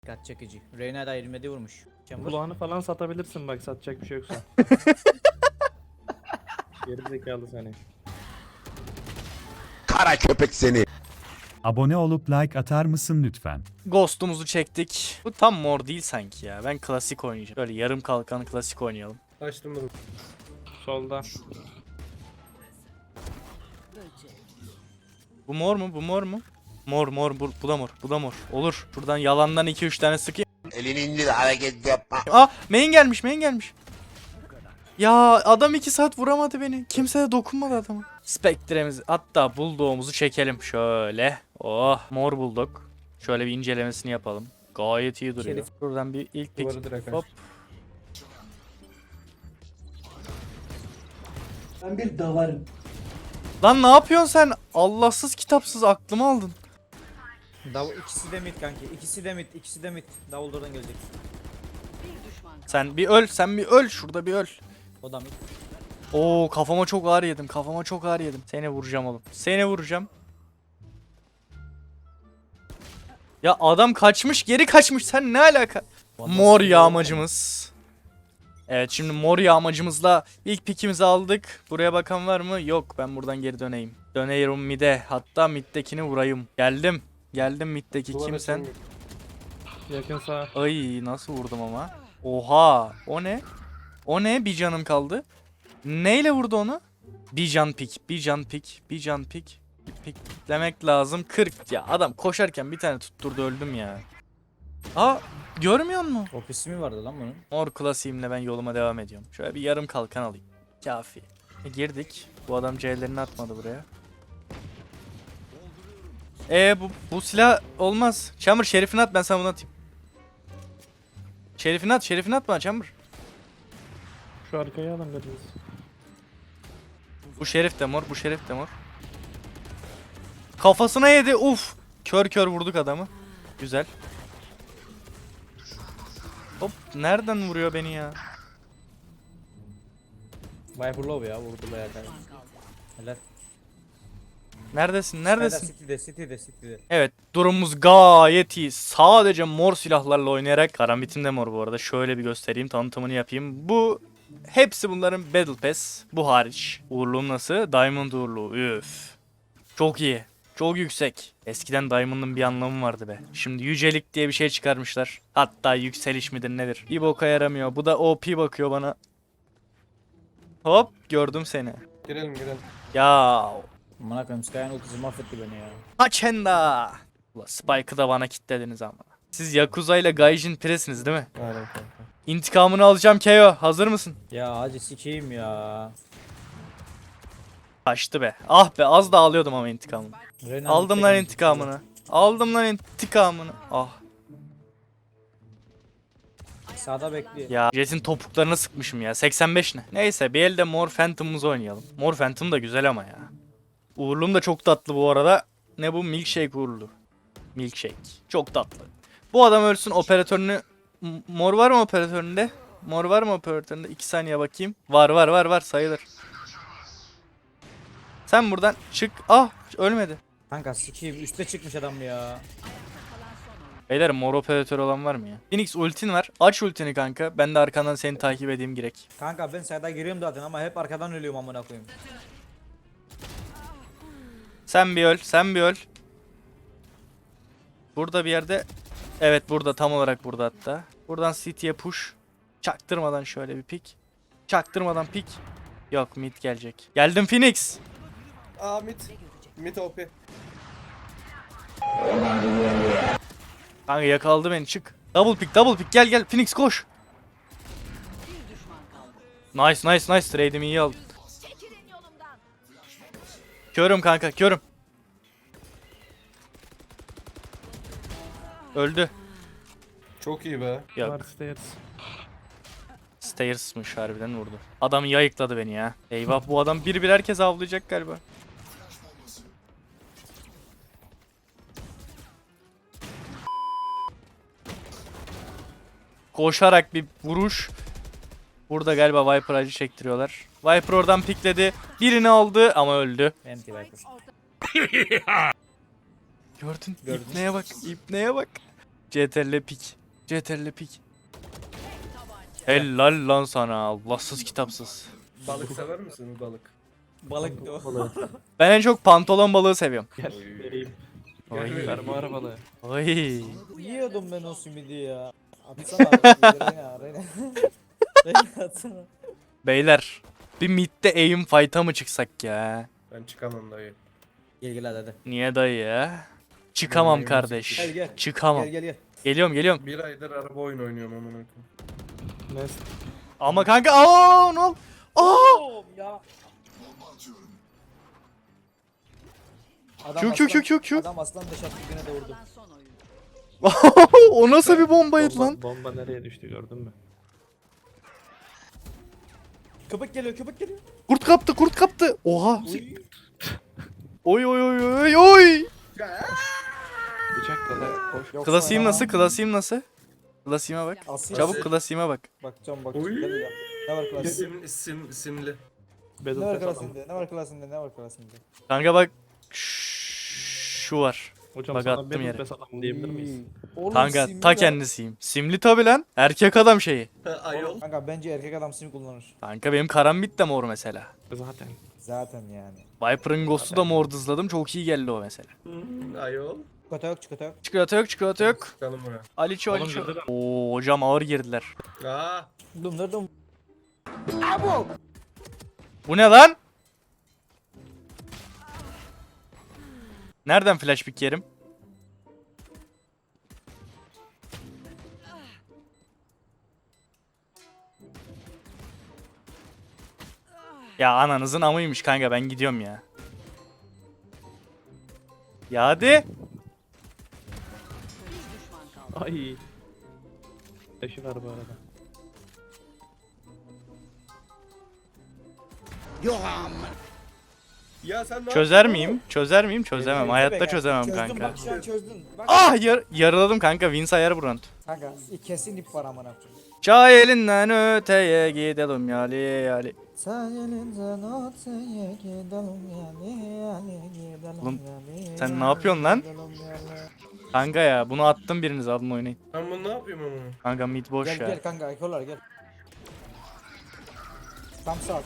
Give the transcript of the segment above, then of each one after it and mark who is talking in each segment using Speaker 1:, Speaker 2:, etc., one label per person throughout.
Speaker 1: Dikkat çekici. Reyna da 27 vurmuş.
Speaker 2: Kulağını falan satabilirsin bak, satacak bir şey yoksa. Geri zekalı seni.
Speaker 3: Kara köpek seni.
Speaker 4: Abone olup like atar mısın lütfen?
Speaker 5: Ghost'umuzu çektik. Bu tam mor değil sanki ya. Ben klasik oynayacağım. Böyle yarım kalkan klasik oynayalım.
Speaker 2: Açtım bunu. Solda.
Speaker 5: Bu mor mu? Bu mor mu? Mor mor bu da mor. Bu da mor. Olur. Şuradan yalandan 2-3 tane sıkayım.
Speaker 3: Elini indir, hareket yapma.
Speaker 5: Main gelmiş, main gelmiş. Ya adam 2 saat vuramadı beni. Kimse de dokunmadı adama. Spectre'mizi hatta bulldog'umuzu çekelim şöyle. Oh, mor bulldog. Şöyle bir incelemesini yapalım. Gayet iyi duruyor. Buradan bir ilk
Speaker 2: Duvarı
Speaker 5: pick.
Speaker 2: direkt
Speaker 5: Hop.
Speaker 6: Ben bir davarım.
Speaker 5: Lan ne yapıyorsun sen? Allahsız kitapsız aklımı aldın.
Speaker 1: İkisi de mid kanki. İkisi de mid. İkisi de mid. Davul oradan gelecek.
Speaker 5: Sen bir öl, sen bir öl. Şurada bir öl.
Speaker 1: O da mid.
Speaker 5: Oo, kafama çok ağır yedim. Kafama çok ağır yedim. Seni vuracağım oğlum. Seni vuracağım. Ya adam kaçmış, geri kaçmış. Sen ne alaka? Mor yağmacımız. Evet, şimdi mor yağmacımızla ilk pikimizi aldık. Buraya bakan var mı? Yok, ben buradan geri döneyim. Döneyim mid'e. Hatta mid'dekini vurayım. Geldim. Geldim mid'deki.
Speaker 2: Duvara
Speaker 5: Kimsen?
Speaker 2: çevir. Yakın sağ.
Speaker 5: Ay, nasıl vurdum ama? Oha, o ne? O ne? Bir canım kaldı. Neyle vurdu onu? Bir can pik, bir can pik, bir can pik. Pik demek lazım. 40 ya. Adam koşarken bir tane tutturdu, öldüm ya. Aa, görmüyor musun?
Speaker 1: Ofisi mi vardı lan bunun?
Speaker 5: Mor klasiğimle ben yoluma devam ediyorum. Şöyle bir yarım kalkan alayım. Kafi. Girdik. Bu adam C'lerini atmadı buraya. Bu silah olmaz. Chamber şerifini at, ben sana bunu atayım. Şerifini at bana Chamber.
Speaker 2: Şu arkaya alın biraz.
Speaker 5: Bu şerif de mor, bu şerif de mor. Kafasına yedi. Uf. Kör kör vurduk adamı. Güzel. Hop, nereden vuruyor beni ya?
Speaker 1: Viper low ya. Vurdu bayağı. Helal.
Speaker 5: Neredesin?
Speaker 1: City'de.
Speaker 5: Evet, durumumuz gayet iyi. Sadece mor silahlarla oynayarak, karambitim de mor bu arada. Şöyle bir göstereyim, tanıtımını yapayım. Hepsi bunların Battle Pass. Bu hariç. Uğurluğum nasıl? Diamond uğurluğu. Üf. Çok iyi. Çok yüksek. Eskiden Diamond'ın bir anlamı vardı be. Şimdi yücelik diye bir şey çıkarmışlar. Hatta yükseliş midir nedir? Bir boka yaramıyor. Bu da OP bakıyor bana. Hop, gördüm seni.
Speaker 2: Girelim.
Speaker 5: Ya
Speaker 1: Amına koyayım, Sky'ın ultisi mahvetti beni ya.
Speaker 5: Haçenda. Ulan Spike'ı da bana kilitlediniz ama. Siz Yakuza ile Gaijin Piresiniz değil mi?
Speaker 2: Aynen kanka.
Speaker 5: İntikamını alacağım KO. Hazır mısın?
Speaker 1: Ya hacı sikeyim ya.
Speaker 5: Kaçtı be. Ah be, az da alıyordum ama intikamını.
Speaker 1: Reyna
Speaker 5: Aldım
Speaker 1: mid'de
Speaker 5: lan
Speaker 1: gelecek.
Speaker 5: intikamını. Aldım lan intikamını. Ah.
Speaker 1: Sağda bekliyor.
Speaker 5: Ya Jet'in topuklarına sıkmışım ya. 85 ne? Neyse, bir elde Mor Phantom'umuzu oynayalım. Mor Phantom da güzel ama ya. Uğurluğum da çok tatlı bu arada. Ne bu? Milkshake uğurlu. Milkshake. Çok tatlı. Bu adam ölsün, operatörünü... Mor var mı operatöründe? Mor var mı operatöründe? 2 saniye bakayım. Var sayılır. Sen buradan çık. Ah, ölmedi.
Speaker 1: Kanka sikeyim, üste çıkmış adam ya.
Speaker 5: Beyler, mor operatör olan var mı ya? Phoenix, ultin var. Aç ultini kanka. Ben de arkandan seni takip edeyim girek.
Speaker 1: Kanka ben sayda giriyorum zaten ama hep arkadan ölüyorum amına koyayım.
Speaker 5: Sen bir öl. Burada bir yerde. Evet, burada, tam olarak burada hatta. Buradan City'ye push. Çaktırmadan şöyle bir pick. Çaktırmadan pick. Yok, mid gelecek. Geldim Phoenix.
Speaker 2: Aa mid OP.
Speaker 5: Kanka yakaladı beni, çık. Double pick gel Phoenix koş. Nice. Trade'imi iyi aldım. Körüm kanka, körüm. Öldü.
Speaker 2: Çok iyi be.
Speaker 5: Yok.
Speaker 2: Var stairs.
Speaker 5: Stairs'mış, harbiden vurdu. Adam yayıkladı beni ya. Eyvah, bu adam bir herkes avlayacak galiba. Koşarak bir vuruş. Burada galiba Viper acı çektiriyorlar. Viper oradan pikledi. Birini aldı ama öldü.
Speaker 1: Anti Viper.
Speaker 5: Gördün.
Speaker 1: Gördüm.
Speaker 5: İpneye bak. CTRL pik. CTRL pik. Helal lan sana. Allahsız kitapsız.
Speaker 2: Balık sever misin balık?
Speaker 1: Balık da o.
Speaker 5: Ben en çok pantolon balığı seviyorum.
Speaker 2: Gel vereyim.
Speaker 5: Oy.
Speaker 2: Fermuar balığı.
Speaker 5: Oy.
Speaker 1: Yiyordum ben o simidi ya. Atsana abi. Reyna. Reyna atsana.
Speaker 5: Beyler. Bir midde aim fight'a mı çıksak ya?
Speaker 2: Ben çıkamam dayı.
Speaker 1: Gel gel hadi.
Speaker 5: Niye dayı ya? Çıkamam
Speaker 2: Gel,
Speaker 5: kardeş.
Speaker 1: gel.
Speaker 5: Çıkamam.
Speaker 1: Gel gel gel.
Speaker 5: Geliyorum.
Speaker 2: Bir aydır araba oyunu oynuyorum amına koyayım. Neyse.
Speaker 5: Ama kanka aa ne ol? Aa!
Speaker 1: Ya.
Speaker 5: Q.
Speaker 1: Adam aslan deş attı güne doğurdu.
Speaker 5: O nasıl bir bombaydı lan?
Speaker 2: Bomba nereye düştü gördün mü?
Speaker 1: Köpek geliyor köpek geliyor.
Speaker 5: Kurt kaptı. Oha. Oy.
Speaker 2: Bıçak da koş.
Speaker 1: Yoksa
Speaker 5: Klasiğim
Speaker 1: ya.
Speaker 5: nasıl? Klasiğime bak.
Speaker 1: Asil.
Speaker 5: Çabuk klasiğime bak.
Speaker 1: Bakacağım
Speaker 2: Oy.
Speaker 1: Gel ya. Ne var klasinde?
Speaker 2: Simli.
Speaker 1: Ne var klasinde? Ne var klasinde? Ne var klasinde?
Speaker 5: Kanka bak. Şu var.
Speaker 2: Hocam
Speaker 5: Bak
Speaker 2: sana
Speaker 5: attım
Speaker 2: Battle
Speaker 5: yere.
Speaker 2: Pass adam diyebilir miyiz?
Speaker 1: Oğlum,
Speaker 5: Kanka
Speaker 1: simli
Speaker 5: ta
Speaker 1: de-
Speaker 5: kendisiyim. Simli tabi lan. Erkek adam şeyi.
Speaker 2: Ayol.
Speaker 1: Kanka bence erkek adam sim kullanır.
Speaker 5: Kanka benim karambit de mor mesela.
Speaker 2: Zaten.
Speaker 1: Zaten yani.
Speaker 5: Viper'ın Ghost'u da mor dızladım. Çok iyi geldi o mesela.
Speaker 2: Ayol.
Speaker 1: Çikolata yok çikolata yok.
Speaker 5: Çikolata yok.
Speaker 2: Çıkalım buraya.
Speaker 5: Aliço.
Speaker 2: Oğlum girdi lan.
Speaker 5: Oo hocam ağır girdiler.
Speaker 2: Aa.
Speaker 1: Dum.
Speaker 5: Bu ne lan? Nereden flash pick yerim? Ya ananızın amıymış kanka ben gidiyorum ya. Ya hadi.
Speaker 2: Ay. Taşı var bu arada. Ya sen ne
Speaker 5: Çözer miyim? Çözemem. Hayatta
Speaker 1: Köpek
Speaker 5: çözemem
Speaker 1: çözdün,
Speaker 5: kanka.
Speaker 1: Bak şu an çözdün. Bak.
Speaker 5: Ah yarıladım kanka. Wins ayar bu round.
Speaker 1: Kanka kesin ip var amına koyayım.
Speaker 5: Çay elinden öteye gidelim yali.
Speaker 1: Sen elinden öteye gidelim yani gidelim
Speaker 5: Oğlum,
Speaker 1: yani.
Speaker 5: sen ne yapıyorsun lan?
Speaker 1: Gidelim yani.
Speaker 5: Kanka ya bunu attım biriniz alın oynayın.
Speaker 2: Ben bunu ne yapayım ama?
Speaker 5: Kanka mid boş
Speaker 1: Gel
Speaker 5: ya.
Speaker 1: gel kanka ekolar gel. Tam sağ.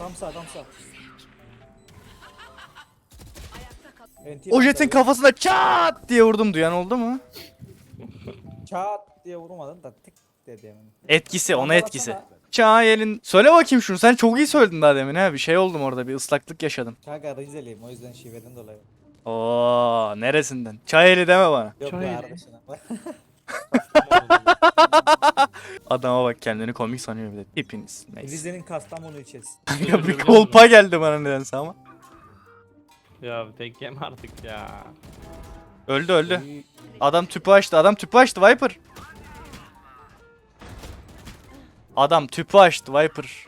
Speaker 1: NT
Speaker 5: O jetin
Speaker 1: var.
Speaker 5: kafasına çat diye vurdum duyan oldu mu?
Speaker 1: Çat diye vurmadın da tık dedi hemen.
Speaker 5: Etkisi ona
Speaker 1: Bana
Speaker 5: etkisi.
Speaker 1: baksana.
Speaker 5: Çay elin. Söyle bakayım şunu sen çok iyi söyledin daha demin ha bir şey oldum orada bir ıslaklık yaşadım.
Speaker 1: Kanka Rizeliyim o yüzden şiveden dolayı.
Speaker 5: Oo neresinden? Çay eli deme bana.
Speaker 1: Yok
Speaker 2: Çay
Speaker 1: be
Speaker 2: eli.
Speaker 1: arkadaşına.
Speaker 5: Adama bak kendini komik sanıyor bir de. Hepiniz. Neyse.
Speaker 1: Rize'nin Kastamonu ilçesi.
Speaker 5: Kanka bir kolpa geldi bana nedense ama.
Speaker 2: Ya tek yem artık ya.
Speaker 5: Öldü. Adam tüpü açtı Viper. Adam tüpü açtı Viper.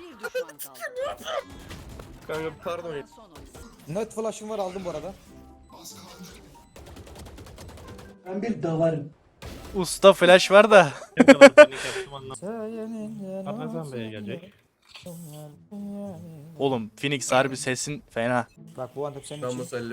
Speaker 2: Kanka pardon ya.
Speaker 1: Net flash'ım var aldım bu arada.
Speaker 5: Usta flash var da.
Speaker 2: Ne kadar panik yaptım anlamadım. Partizan Bey'e gelecek.
Speaker 5: Oğlum Phoenix harbi sesin fena.
Speaker 1: Bak bu antep senin
Speaker 2: Ben
Speaker 1: için.
Speaker 2: musallim.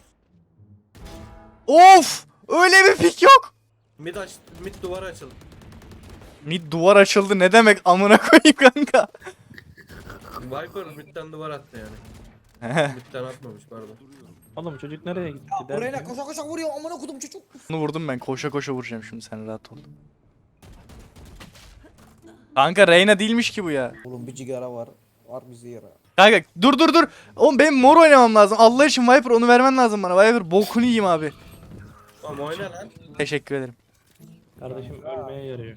Speaker 5: Of! Öyle bir pik yok.
Speaker 2: Mid duvarı açıldı.
Speaker 5: Mid duvar açıldı ne demek amına koyayım kanka.
Speaker 2: Viper midden duvar attı yani. Midden atmamış pardon. Oğlum çocuk nereye gitti
Speaker 1: Buraya
Speaker 2: derken?
Speaker 1: koşa koşa vuruyor amına kodum çocuk.
Speaker 5: Bunu vurdum ben koşa vuracağım şimdi sen rahat ol. Kanka Reyna değilmiş ki bu ya.
Speaker 1: Oğlum bir cigara var. Var bizi yara.
Speaker 5: Kanka dur. Oğlum benim mor oynamam lazım. Allah için Viper onu vermen lazım bana. Viper bokunu yiyeyim abi.
Speaker 2: Ama oyna lan.
Speaker 5: Teşekkür ederim.
Speaker 2: Kardeşim ölmeye yarıyor.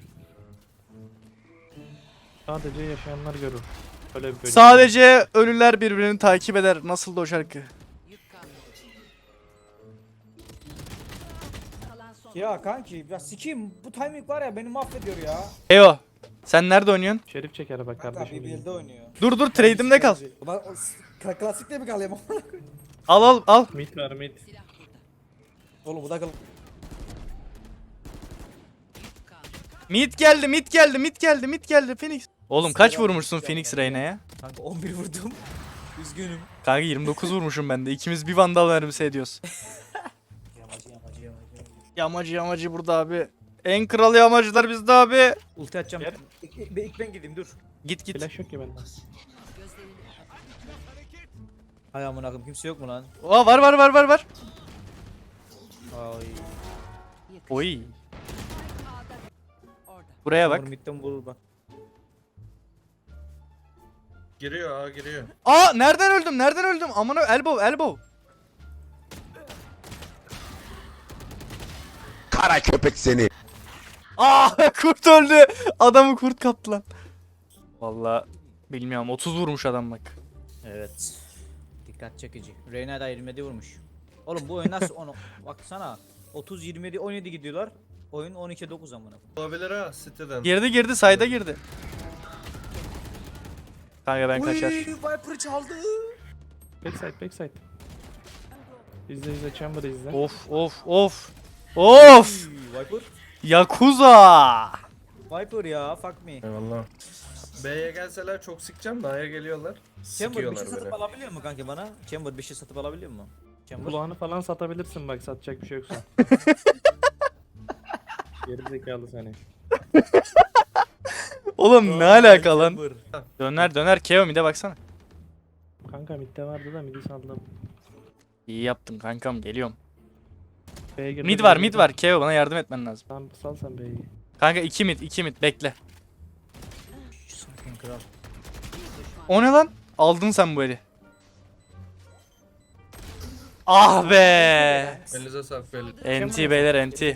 Speaker 2: Sadece yaşayanlar görür. Öyle bir bölüm.
Speaker 5: Sadece ölüler birbirini takip eder. Nasıldı o şarkı?
Speaker 1: Ya kanki ya sikeyim bu timing var ya beni mahvediyor ya.
Speaker 5: Eyo. Sen nerede oynuyorsun?
Speaker 2: Şerif çeker bak
Speaker 1: Kanka
Speaker 2: kardeşim.
Speaker 1: BBL'de oynuyor.
Speaker 5: Dur trade'imde kal.
Speaker 1: Ulan klasikte mi kalayım amına koyayım?
Speaker 5: Al.
Speaker 2: Mid var mid.
Speaker 1: Oğlum bu da kal.
Speaker 5: Mid geldi Phoenix. Oğlum kaç vurmuşsun Phoenix Reyna'ya?
Speaker 1: Kanka 11 vurdum. Üzgünüm.
Speaker 5: Kanka 29 vurmuşum ben de. İkimiz bir vandal mermisi ediyoruz.
Speaker 1: Yamacı.
Speaker 5: Yamacı burada abi. En kral yağmacılar bizde abi.
Speaker 1: Ulti atacağım.
Speaker 6: Gel.
Speaker 1: İlk ben gideyim dur.
Speaker 5: Git git.
Speaker 6: Flash yok ki bende.
Speaker 1: Hay amına koyayım kimse yok mu lan?
Speaker 5: Aa, var.
Speaker 1: Ay.
Speaker 5: Oy. Buraya bak.
Speaker 1: Bak. Midden vurur bak.
Speaker 2: Giriyor ha giriyor.
Speaker 5: Aa, nereden öldüm? Aman elbow.
Speaker 3: Kara köpek seni.
Speaker 5: Aa, kurt öldü. Adamı kurt kaptı lan. Vallahi bilmiyorum, 30 vurmuş adam bak.
Speaker 1: Evet. Dikkat çekici. Reyna da 27 vurmuş. Oğlum bu oyun nasıl onu baksana. 30 27 17 gidiyorlar. Oyun 12 9 amına.
Speaker 2: Olabilir ha siteden.
Speaker 5: Girdi sayda girdi. Kanka ben kaçar.
Speaker 1: Viper çaldı.
Speaker 6: Backside. İzle chamber izle.
Speaker 5: Of.
Speaker 1: Viper.
Speaker 5: Yakuza.
Speaker 1: Viper ya fuck me.
Speaker 2: Eyvallah. B'ye gelseler çok sıkacağım da A'ya geliyorlar.
Speaker 1: Chamber bir
Speaker 2: Sıkıyorlar
Speaker 1: şey satıp
Speaker 2: beni.
Speaker 1: alabiliyor mu kanka bana? Chamber bir şey satıp alabiliyor mu? Chamber.
Speaker 6: Kulağını falan satabilirsin bak, satacak bir şey yoksa. Geri zekalı seni.
Speaker 5: Oğlum ne alaka lan?
Speaker 1: Chamber.
Speaker 5: Döner Keo mid'e baksana.
Speaker 6: Kanka midde vardı da midi saldım.
Speaker 5: İyi yaptın kankam, geliyorum.
Speaker 6: B'ye girdi.
Speaker 5: Mid var Keo, bana yardım etmen lazım.
Speaker 6: Tamam sal sen B'yi.
Speaker 5: Kanka 2 mid bekle.
Speaker 1: Sakin kral.
Speaker 5: O ne lan? Aldın sen bu eli. Ah be.
Speaker 2: Elinize sağlık belli.
Speaker 5: NT beyler NT.